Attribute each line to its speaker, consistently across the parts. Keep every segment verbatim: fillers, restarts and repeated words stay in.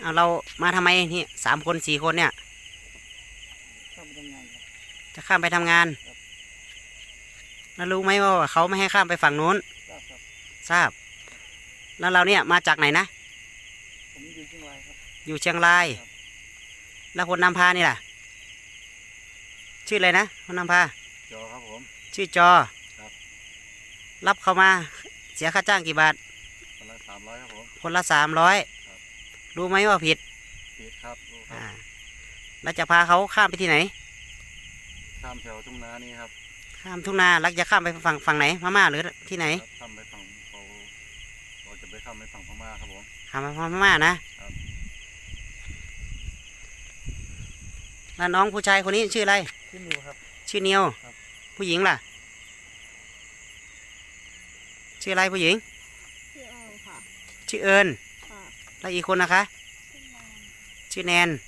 Speaker 1: เอาเรามาทำไมนี่สามคนสี่คนเนี่ย
Speaker 2: ข้ามไปทำงานครับ
Speaker 1: จะข้ามไปทำงาน
Speaker 2: ครับ
Speaker 1: แล้วรู้ไหมว่าเขาไม่ให้ข้ามไปฝั่งนู้น
Speaker 2: ทราบครับ
Speaker 1: ทราบ แล้วเราเนี่ยมาจากไหนนะ
Speaker 2: ผมอยู่เชียงรายครับ
Speaker 1: อยู่เชียงราย
Speaker 2: ครับ
Speaker 1: แล้วคนนำพานี่ล่ะ ชื่ออะไรนะคนนำพา
Speaker 2: จอครับผม
Speaker 1: ชื่อจอ
Speaker 2: ครับ
Speaker 1: รับเขามาเสียค่าจ้างกี่บาท
Speaker 2: คนละสามร้อยครับผม
Speaker 1: คนละสามร้อย
Speaker 2: ครับ
Speaker 1: รู้ไหมว่าผิด
Speaker 2: ผิดครับรู้ครั
Speaker 1: อ่า
Speaker 2: บ
Speaker 1: แล้วจะพาเขาข้ามไปที่ไหน
Speaker 2: ข้ามแถวทุ่งนานี่ครับ
Speaker 1: ข้ามทุ่งนาแล้วจะข้ามไปฝั่งฝั่งไหนพม่าหรือที่ไหน
Speaker 2: ครับข้ามไปฝั่งเขาเราจะไปข้ามไปฝั่งพม่าครับผม
Speaker 1: ข้ามไปฝั่งพม่านะครับ แล้วน้องผู้ชายคนนี้ชื่ออะไร
Speaker 2: ชื่อนิวครับ
Speaker 1: ชื่อเนียว
Speaker 2: ครับ
Speaker 1: ผู้หญิงล่ะชื่ออะไรผู้หญิง
Speaker 3: ชื่อเอิญค่ะ
Speaker 1: ชื่อเอิญ
Speaker 3: ค่ะ
Speaker 1: แล้วอีกคนนะคะ
Speaker 3: ชื่อแนน
Speaker 1: ชื่อแนน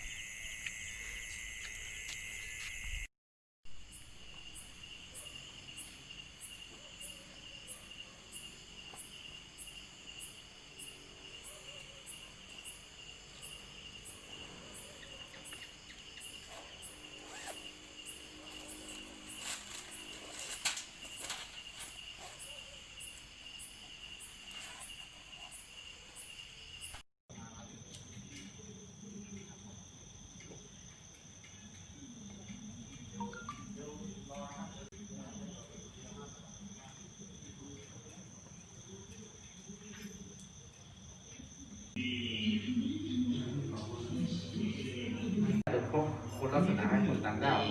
Speaker 4: จะพบคนลักษณะให้คนต่างด้าว